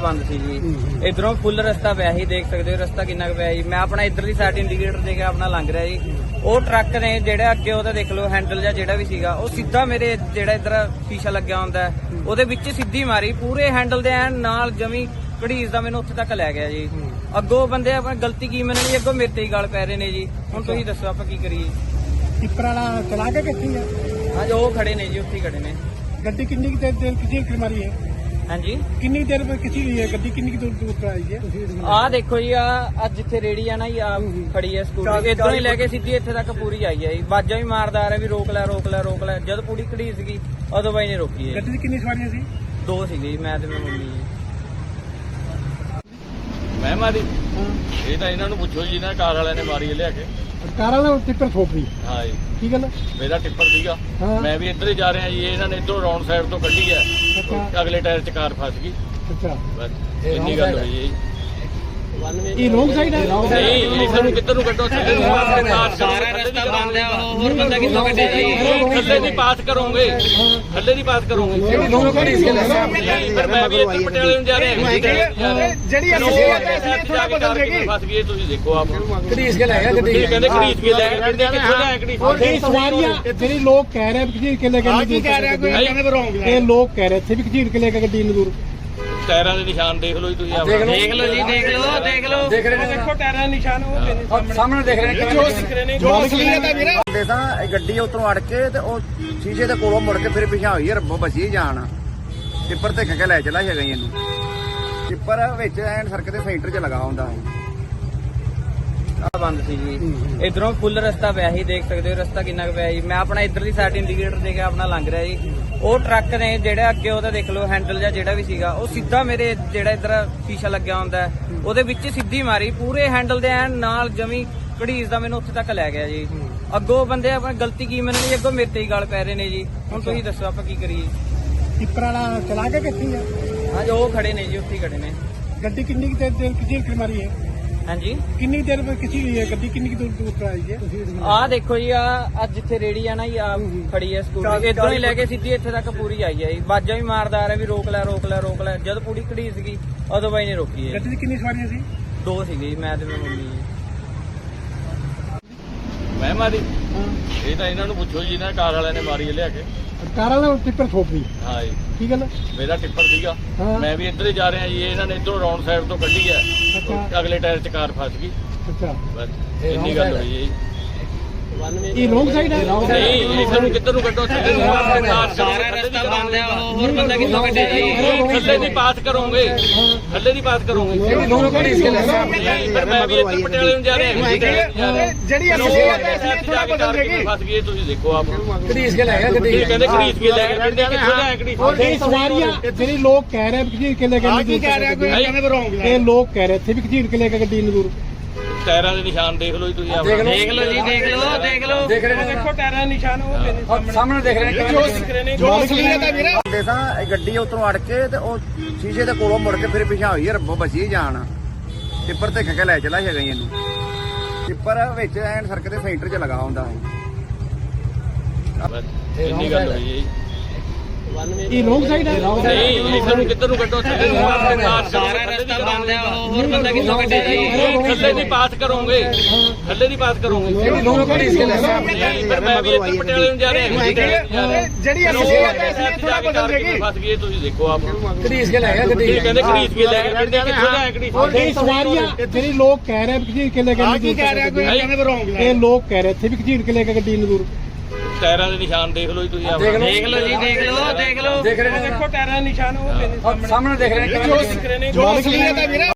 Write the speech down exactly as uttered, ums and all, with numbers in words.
ਬੰਦ ਸੀ ਜੀ। ਇਧਰੋਂ ਫੁੱਲ ਰਸਤਾ ਪਿਆ ਸੀ, ਦੇਖ ਸਕਦੇ ਹੋ ਰਸਤਾ ਕਿੰਨਾ ਕੁ ਪਿਆ ਜੀ। ਮੈਂ ਆਪਣਾ ਇਧਰਲੀ ਸਾਈਡ ਇੰਡੀਕੇਟਰ ਦੇ ਕੇ ਆਪਣਾ ਲੰਘ ਰਿਹਾ ਜੀ। ਉਹ ਟਰੱਕ ਨੇ ਜਿਹੜਾ ਅੱਗੇ ਉਹਦਾ ਦੇਖ ਲਓ ਹੈਂਡਲ ਜਾਂ ਜਿਹੜਾ ਵੀ ਸੀਗਾ, ਉਹ ਸਿੱਧਾ ਮੇਰੇ ਜਿਹੜਾ ਇਧਰ ਸ਼ੀਸ਼ਾ ਲੱਗਿਆ ਹੁੰਦਾ ਉਹਦੇ ਵਿੱਚ ਸਿੱਧੀ ਮਾਰੀ, ਪੂਰੇ ਹੈਂਡਲ ਦੇ ਐਨ ਨਾਲ ਜਮੀ ਘੜੀਸ ਦਾ ਮੈਨੂੰ ਉੱਥੇ ਤੱਕ ਲੈ ਗਿਆ ਜੀ। ਅੱਗੋਂ ਬੰਦੇ ਆਪਣੀ ਗਲਤੀ ਕੀ ਮੰਨਣੀ, ਅੱਗੋਂ ਮੇਰੇ ਤੇ ਹੀ ਗਾਲ ਪੈ ਰਹੇ ਨੇ ਜੀ। ਹੁਣ ਤੁਸੀਂ ਦੱਸੋ ਆਪਾਂ ਕੀ ਕਰੀਏ। ਟਿੱਪਰ ਵਾਲਾ ਚਲਾ ਕੇ ਕਿੱਥੇ ਆ? ਹਾਂਜੀ ਉਹ ਖੜੇ ਨੇ ਜੀ, ਉੱਥੇ ਹੀ ਖੜੇ ਨੇ। ਗੱਡੀ ਕਿੰਨੀ ਕੁ ਦੇਰ ਦੇਰ ਕਿੱਥੇ ਕਿ ਮਾਰੀ ਹੈ? ਹਾਂਜੀ ਕਿੰਨੀ ਦੇਰ ਬਾਅਦ ਕਿੱਥੇ ਹੋਈ ਹੈ ਗੱਡੀ? ਕਿੰਨੀ ਕੁ ਦੂਰ ਦੂਰ ਤੋਂ ਆਈ ਹੈ? ਆਹ ਦੇਖੋ ਜੀ, ਆ ਅੱਜ ਜਿੱਥੇ ਰੇੜੀ ਆ ਨਾ ਜੀ, ਆ ਖੜੀ ਹੈ ਸਕੂਟਰ, ਇਧਰੋਂ ਹੀ ਲੈ ਕੇ ਸਿੱਧੀ ਇੱਥੇ ਤੱਕ ਪੂਰੀ ਆਈ ਹੈ ਜੀ। ਬਾਜਾਂ ਵੀ ਮਾਰਦਾ ਆ ਰਿਹਾ ਵੀ ਰੋਕ ਲੈ ਰੋਕ ਲੈ ਰੋਕ ਲੈ। ਜਦ ਪੂਰੀ ਘੜੀ ਸੀਗੀ ਉਦੋਂ ਬਾਈ ਨੇ ਰੋਕੀ ਹੈ। ਗੱਡੀ 'ਚ ਕਿੰਨੀ ਸਵਾਰੀਆਂ ਸੀ? ਦੋ ਸੀਗੇ ਜੀ, ਮੈਂ ਤੇ ਮੇਰੀ ਮੰਮੀ ਜੀ। ਮੈਂ ਮਾਰੀ ਇਹ ਤਾਂ ਇਹਨਾਂ ਨੂੰ ਪੁੱਛੋ ਜੀ, ਇਹਨਾਂ ਕਾਰ ਵਾਲਿਆਂ ਨੇ ਮਾਰੀ ਹੈ ਲਿਆ ਕੇ। ਕਾਰ ਵਾਲਾ ਟਿੱਪਰ ਠੋਕ ਹਾਂ ਜੀ, ਕੀ ਗੱਲ? ਮੇਰਾ ਟਿੱਪਰ ਸੀਗਾ, ਹਾਂ। ਮੈਂ ਵੀ ਇੱਧਰ ਹੀ ਜਾ ਰਿਹਾ ਜੀ। ਇਹਨਾਂ ਨੇ ਇੱਧਰੋਂ ਰੌਂਡ ਸਾਈਡ ਤੋਂ ਕੱਢੀ ਹੈ, ਅੱਛਾ। ਅਗਲੇ ਟਾਇਰ 'ਚ ਕਾਰ ਫਸ ਗਈ। ਅੱਛਾ, ਬਸ ਇੰਨੀ ਗੱਲ ਹੋਈ ਹੈ ਜੀ। ਇਹ ਰੋਂਗ ਸਾਈਡ ਹੈ? ਨਹੀਂ, ਇਹਨਾਂ ਨੂੰ ਕਿੱਧਰ ਨੂੰ ਕੱਢੋ? ਥੱਲੇ ਨੂੰ ਪਾਸ ਕਰੋ। ਸਾਰਾ ਰਸਤਾ ਬੰਦ ਹੈ, ਹੋਰ ਬੰਦਾ ਕਿੱਥੋਂ ਕੱਢੇ ਜੀ? ਥੱਲੇ ਦੀ ਪਾਸ ਕਰੋਗੇ, ਥੱਲੇ ਦੀ ਪਾਸ ਕਰੋਗੇ। ਪਰ ਮੈਂ ਵੀ ਇੱਧਰ ਪਟਿਆਲੇ ਨੂੰ ਜਾ ਰਿਹਾ। ਜਿਹੜੀ ਅਸੀਂ ਥੋੜਾ ਬਦਲ ਗਈ ਫਸ ਗਈ, ਤੁਸੀਂ ਦੇਖੋ ਆਪ। ਘੜੀਸ ਕੇ ਲੈ ਗਿਆ ਗੱਡੀ। ਇਹ ਕਹਿੰਦੇ ਖਰੀਦ ਕੇ ਲੈ ਗਏ, ਕਿੱਥੋਂ ਲੈ ਗਏ? ਇਹ ਸਵਾਰੀਆਂ ਜਿਹੜੇ ਲੋਕ ਕਹਿ ਰਹੇ ਕਿ ਕਿ ਲੈ ਕੇ ਕੀ ਕਹਿ ਰਿਹਾ ਕੋਈ? ਕਹਿੰਦੇ ਰੋਂਗ ਇਹ ਲੋਕ ਕਹਿ ਰਹੇ ਇੱਥੇ ਵੀ ਘਸੀੜ ਕੇ ਲੈ ਕੇ ਗੱਡੀ ਨੂੰ ਦੂਰ। ਟਾਇਰਾਂ ਦੇ ਨਿਸ਼ਾਨ ਦੇਖ ਲਓ ਜੀ ਤੁਸੀਂ ਆਪ। ਦੇਖ ਲਓ ਜੀ, ਦੇਖ ਲਓ ਦੇਖ ਲਓ ਦੇਖ ਰਹੇ ਨੇ, ਦੇਖੋ ਟਾਇਰਾਂ ਦੇ ਨਿਸ਼ਾਨ ਉਹ ਸਾਹਮਣੇ ਦੇਖ ਰਹੇ ਨੇ। ਜੋ ਸਿੱਖ ਰਹੇ ਨੇ, ਜੋ ਅਸਲੀਅਤ ਹੈ ਵੀਰੇ। ਦੇ ਤਾਂ ਇਹ ਗੱਡੀ ਉਤਰੋਂ ਅੜ ਕੇ ਤੇ ਉਹ ਸ਼ੀਸ਼ੇ ਦੇ ਕੋਲੋਂ ਮੁੜ ਕੇ ਫਿਰ ਪਿਛਾ ਹੋਈ, ਰੱਬੋ ਬਚੀ ਜਾਣ। ਟਿੱਪਰ ਤੇ ਕੇ ਲੈ ਚਲਾ ਹੈਗਾ ਇਹਨੂੰ। ਟਿੱਪਰ ਵਿੱਚ ਐਨ ਸੜਕ ਦੇ ਸੈਂਟਰ 'ਚ ਲਗਾ ਹੁੰਦਾ ਹੈ। ਆ ਬੰਦ ਸੀ ਜੀ। ਇਧਰੋਂ ਫੁੱਲ ਰਸਤਾ ਪਿਆ ਸੀ, ਦੇਖ ਸਕਦੇ ਹੋ ਰਸਤਾ ਕਿੰਨਾ ਕੁ ਪਿਆ ਜੀ। ਮੈਂ ਆਪਣਾ ਇਧਰਲੀ ਸਾਈਡ ਇੰਡੀਕੇਟਰ ਦੇ ਕੇ ਆਪਣਾ ਲੰਘ ਰਿਹਾ ਜੀ। ਉਹ ਟਰੱਕ ਨੇ ਜਿਹੜਾ ਅੱਗੇ ਉਹਦਾ ਦੇਖ ਲਓ ਹੈਂਡਲ ਜਾਂ ਜਿਹੜਾ ਵੀ ਸੀਗਾ, ਉਹ ਸਿੱਧਾ ਮੇਰੇ ਜਿਹੜਾ ਇਧਰ ਸ਼ੀਸ਼ਾ ਲੱਗਿਆ ਹੁੰਦਾ ਉਹਦੇ ਵਿੱਚ ਸਿੱਧੀ ਮਾਰੀ, ਪੂਰੇ ਹੈਂਡਲ ਦੇ ਐਨ ਨਾਲ ਜਮੀ ਘੜੀਸ ਦਾ ਮੈਨੂੰ ਉੱਥੇ ਤੱਕ ਲੈ ਗਿਆ ਜੀ। ਅੱਗੋਂ ਬੰਦੇ ਆਪਣੀ ਗਲਤੀ ਕੀ ਮੰਨਣੀ, ਅੱਗੋਂ ਮੇਰੇ ਤੇ ਹੀ ਗਾਲ ਪੈ ਰਹੇ ਨੇ ਜੀ। ਹੁਣ ਤੁਸੀਂ ਦੱਸੋ ਆਪਾਂ ਕੀ ਕਰੀਏ। ਟਿੱਪਰ ਵਾਲਾ ਚਲਾ ਕੇ ਕਿੱਥੇ ਆ? ਹਾਂਜੀ ਉਹ ਖੜੇ ਨੇ ਜੀ, ਉੱਥੇ ਹੀ ਖੜੇ ਨੇ। ਗੱਡੀ ਕਿੰਨੀ ਕੁ ਦੇਰ ਦੇਰ ਕਿੱਥੇ ਮਾਰੀ ਹੈ? ਹਾਂਜੀ ਕਿੰਨੀ ਦੇਰ ਬਾਅਦ ਕਿੱਥੇ ਹੋਈ ਹੈ ਗੱਡੀ? ਕਿੰਨੀ ਕੁ ਦੂਰ ਦੂਰ ਤੋਂ ਆਈ ਹੈ? ਆਹ ਦੇਖੋ ਜੀ, ਆ ਅੱਜ ਜਿੱਥੇ ਰੇੜੀ ਆ ਨਾ ਜੀ, ਆ ਖੜੀ ਹੈ ਸਕੂਟਰ, ਇਧਰੋਂ ਹੀ ਲੈ ਕੇ ਸਿੱਧੀ ਇੱਥੇ ਤੱਕ ਪੂਰੀ ਆਈ ਹੈ ਜੀ। ਬਾਜਾਂ ਵੀ ਮਾਰਦਾ ਆ ਰਿਹਾ ਵੀ ਰੋਕ ਲੈ ਰੋਕ ਲੈ ਰੋਕ ਲੈ। ਜਦ ਪੂਰੀ ਘੜੀ ਸੀਗੀ ਉਦੋਂ ਬਾਈ ਨੇ ਰੋਕੀ ਹੈ। ਗੱਡੀ 'ਚ ਕਿੰਨੀ ਸਵਾਰੀਆਂ ਸੀ? ਦੋ ਸੀਗੇ ਜੀ, ਮੈਂ ਤੇ ਮੇਰੀ ਮੰਮੀ ਜੀ। ਮੈਂ ਮਾਰੀ ਇਹ ਤਾਂ ਇਹਨਾਂ ਨੂੰ ਪੁੱਛੋ ਜੀ, ਇਹਨਾਂ ਕਾਰ ਵਾਲਿਆਂ ਨੇ ਮਾਰੀ ਹੈ ਲਿਆ ਕੇ। ਕਾਰ ਵਾਲਾ ਟਿੱਪਰ ਠੋਕ ਹਾਂ ਜੀ, ਕੀ ਗੱਲ? ਮੇਰਾ ਟਿੱਪਰ ਸੀਗਾ, ਹਾਂ। ਮੈਂ ਵੀ ਇੱਧਰ ਹੀ ਜਾ ਰਿਹਾ ਜੀ। ਇਹਨਾਂ ਨੇ ਇੱਧਰੋਂ ਰੌਂਡ ਸਾਈਡ ਤੋਂ ਕੱਢੀ ਹੈ, ਅੱਛਾ। ਅਗਲੇ ਟਾਇਰ 'ਚ ਕਾਰ ਫਸ ਗਈ। ਅੱਛਾ, ਬਸ ਇੰਨੀ ਗੱਲ ਹੋਈ ਹੈ ਜੀ। ਇਹ ਰੋਂਗ ਸਾਈਡ ਹੈ? ਨਹੀਂ, ਇਹਨਾਂ ਨੂੰ ਕਿੱਧਰ ਨੂੰ ਕੱਢੋ? ਥੱਲੇ ਨੂੰ ਪਾਸ ਕਰੋ। ਸਾਰਾ ਰਸਤਾ ਬੰਦ ਹੈ, ਹੋਰ ਬੰਦਾ ਕਿੱਥੋਂ ਕੱਢੇ ਜੀ? ਥੱਲੇ ਦੀ ਪਾਸ ਕਰੋਗੇ, ਥੱਲੇ ਦੀ ਪਾਸ ਕਰੋਗੇ। ਪਰ ਮੈਂ ਵੀ ਇੱਧਰ ਪਟਿਆਲੇ ਨੂੰ ਜਾ ਰਿਹਾ। ਜਿਹੜੀ ਅਸਲੀਅਤ ਹੈ ਥੋੜਾ ਬਦਲ ਗਈ। ਫਸ ਗਈ, ਤੁਸੀਂ ਦੇਖੋ ਆਪ। ਘੜੀਸ ਕੇ ਲੈ ਗਿਆ ਗੱਡੀ। ਇਹ ਕਹਿੰਦੇ ਖਰੀਦ ਕੇ ਲੈ ਗਏ, ਕਿੱਥੋਂ ਲੈ ਗਏ? ਇਹ ਸਵਾਰੀਆਂ ਜਿਹੜੇ ਲੋਕ ਕਹਿ ਰਹੇ ਕਿ ਕਿ ਲੈ ਕੇ ਕੀ ਕਹਿ ਰਿਹਾ ਕੋਈ? ਕਹਿੰਦੇ ਰੋਂਗ ਇਹ ਲੋਕ ਕਹਿ ਰਹੇ ਇੱਥੇ ਵੀ ਘਸੀੜ ਕੇ ਲੈ ਕੇ ਗੱਡੀ ਨੂੰ ਦੂਰ। ਟਾਇਰਾਂ ਦੇ ਨਿਸ਼ਾਨ ਦੇਖ ਲਓ ਜੀ ਤੁਸੀਂ ਆਪ। ਦੇਖ ਲਓ ਜੀ, ਦੇਖ ਲਓ ਦੇਖ ਲਓ ਦੇਖ ਰਹੇ ਨੇ, ਦੇਖੋ ਟਾਇਰਾਂ ਦੇ ਨਿਸ਼ਾਨ ਉਹ ਸਾਹਮਣੇ ਦੇਖ ਰਹੇ ਨੇ। ਜੋ ਸਿੱਖ ਰਹੇ ਨੇ, ਜੋ ਅਸਲੀਅਤ ਹੈ ਵੀਰੇ। ਦੇ ਤਾਂ ਇਹ ਗੱਡੀ ਉਤਰੋਂ ਅੜ ਕੇ ਤੇ ਉਹ ਸ਼ੀਸ਼ੇ ਦੇ ਕੋਲੋਂ ਮੁੜ ਕੇ ਫਿਰ ਪਿਛਾ ਹੋਈ, ਰੱਬੋ ਬਚੀ ਜਾਣ। ਟਿੱਪਰ ਤੇ ਕੇ ਲੈ ਚਲਾ ਹੈਗਾ ਇਹਨੂੰ। ਟਿੱਪਰ ਵਿੱਚ ਐਨ ਸੜਕ ਦੇ ਸੈਂਟਰ 'ਚ ਲਗਾ ਹੁੰਦਾ ਹੈ। ਬਸ ਇੰਨੀ ਗੱਲ ਹੋਈ ਹੈ ਜੀ। ਇਹ ਰੋਂਗ ਸਾਈਡ ਹੈ? ਨਹੀਂ, ਇਹਨਾਂ ਨੂੰ ਕਿੱਧਰ ਨੂੰ ਕੱਢੋ? ਥੱਲੇ ਨੂੰ ਪਾਸ ਕਰੋ। ਸਾਰਾ ਰਸਤਾ ਬੰਦ ਹੈ, ਹੋਰ ਬੰਦਾ ਕਿੱਥੋਂ ਕੱਢੇ ਜੀ? ਥੱਲੇ ਦੀ ਪਾਸ ਕਰੋਗੇ, ਥੱਲੇ ਦੀ ਪਾਸ ਕਰੋਗੇ। ਪਰ ਮੈਂ ਵੀ ਇੱਧਰ ਪਟਿਆਲੇ ਨੂੰ ਜਾ ਰਿਹਾ। ਜਿਹੜੀ ਅਸਲੀਅਤ ਹੈ ਥੋੜਾ ਬਦਲ ਗਈ। ਫਸ ਗਈ, ਤੁਸੀਂ ਦੇਖੋ ਆਪ। ਘੜੀਸ ਕੇ ਲੈ ਗਿਆ ਗੱਡੀ। ਇਹ ਕਹਿੰਦੇ ਖਰੀਦ ਕੇ ਲੈ ਗਏ, ਕਿੱਥੋਂ ਲੈ ਗਏ? ਇਹ ਸਵਾਰੀਆਂ ਜਿਹੜੇ ਲੋਕ ਕਹਿ ਰਹੇ ਕਿ ਕਿ ਲੈ ਕੇ ਕੀ ਕਹਿ ਰਿਹਾ ਕੋਈ? ਕਹਿੰਦੇ ਰੋਂਗ ਇਹ ਲੋਕ ਕਹਿ ਰਹੇ ਇੱਥੇ ਵੀ ਘਸੀੜ ਕੇ ਲੈ ਕੇ ਗੱਡੀ ਨੂੰ ਦੂਰ। ਟਾਇਰਾਂ ਦੇ ਨਿਸ਼ਾਨ ਦੇਖ ਲਓ ਜੀ ਤੁਸੀਂ ਆਪ। ਦੇਖ ਲਓ ਜੀ, ਦੇਖ ਲਓ ਦੇਖ ਲਓ ਦੇਖ ਰਹੇ ਨੇ, ਦੇਖੋ ਟਾਇਰਾਂ ਦੇ ਨਿਸ਼ਾਨ ਉਹ ਸਾਹਮਣੇ ਦੇਖ ਰਹੇ ਨੇ। ਜੋ ਸਿੱਖ ਰਹੇ ਨੇ, ਜੋ ਅਸਲੀਅਤ ਹੈ ਵੀਰੇ।